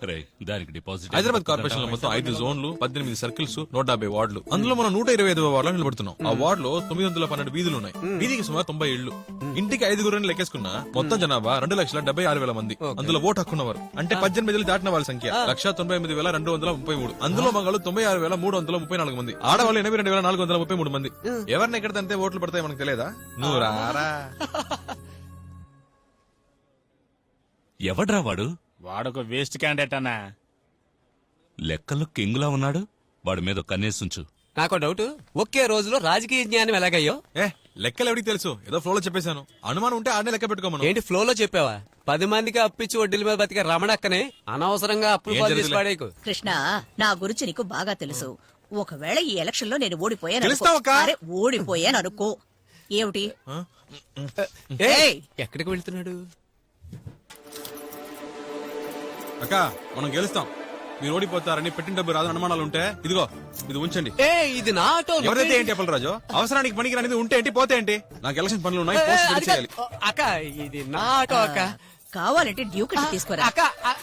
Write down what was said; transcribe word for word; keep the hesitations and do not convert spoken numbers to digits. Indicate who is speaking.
Speaker 1: దానికి deposit
Speaker 2: Hyderabad corporation లో మొత్తం ఐదు జోన్లు, పద్దెనిమిది సర్కిల్స్, నూట డెబ్బై వార్డులు. అందులో మనం నూట ఇరవై ఐదు వార్డులో నిలబడుతున్నాం. ఆ వార్డులో తొమ్మిది వందల పన్నెండు వీధులు ఉన్నాయి. వీధికి సుమారు తొంభై ఇళ్లు. ఇంటికి ఐదుగురు లెక్కేసుకున్నా మొత్తం జనాభా రెండు లక్షల డెబ్బై ఆరు వేల మంది. అందులో ఓటు హక్కున్నవారు అంటే పద్దెనిమిది ఏళ్ళు దాటిన వాళ్ళ సంఖ్య లక్ష తొంభై ఎనిమిది వేల రెండు వందల ముప్పై మూడు. అందులో మగాళ్ళు తొంభై ఆరు వేల మూడు వందల ముప్పై నాలుగు మంది. ఆడవాళ్ళు ఎనభై రెండు వేల నాలుగు వందల ముప్పై మూడు మంది. ఎవరిని ఎక్కడ తంతే ఓట్లు పడతాయి మనకు తెలియదా? నువ్వు రారా.
Speaker 1: ఎవడ్రా వాడు?
Speaker 3: వాడొక వేస్ట్ క్యాండిడేట్ అన్నా.
Speaker 1: లెక్కల్లో కింగులా ఉన్నాడు. వాడి మీద కన్నేసుంచు.
Speaker 4: నాకు డౌట్, ఒకే రోజులో రాజకీయ జ్ఞానం ఎలాగయ్యో?
Speaker 2: ఏ లెక్కలు ఎవరికి తెలుసు? ఏదో ఫ్లోలో చెప్పేశాను. అనుమానం ఉంటే ఆడనే లెక్క పెట్టుకోమను.
Speaker 4: ఏంటి ఫ్లోలో చెప్పావా? పది మందికి అప్పిచ్చి వడ్డీల మీద బతికే రమణక్కనే అనవసరంగా అప్పులు పాలు చేసి పాడేకు.
Speaker 5: కృష్ణ, నా గురించి నీకు బాగా తెలుసు. ఒకవేళ ఈ ఎలక్షన్ లో నేను ఓడిపోయాను
Speaker 2: తెలుస్తావక్కా?
Speaker 5: అరే, ఓడిపోయాను అనుకో, ఏమిటి?
Speaker 4: ఏయ్, ఎక్కడికి వెళ్తున్నాడు?
Speaker 2: అక్క మనం గెలుస్తాం. మీరు ఓడిపోతారని పెట్టిన డబ్బు రాదని అనుమానాలు ఉంటే ఇదిగో ఇది ఉంచండి.
Speaker 4: ఏ ఇది నా ఆటో.
Speaker 2: ఎవరైతే ఏంటి అప్పల రాజు, అవసరానికి పనికి రానిది ఉంటే ఏంటి పోతే ఏంటి? నాకు ఎలక్షన్ పనులు ఉన్నాయి, పోస్ట్ చేయాలి.
Speaker 4: అక్క ఇది నా ఆటో అక్క.
Speaker 5: కావాలంటే డ్యూక్ తీసుకోరా.
Speaker 4: అక్క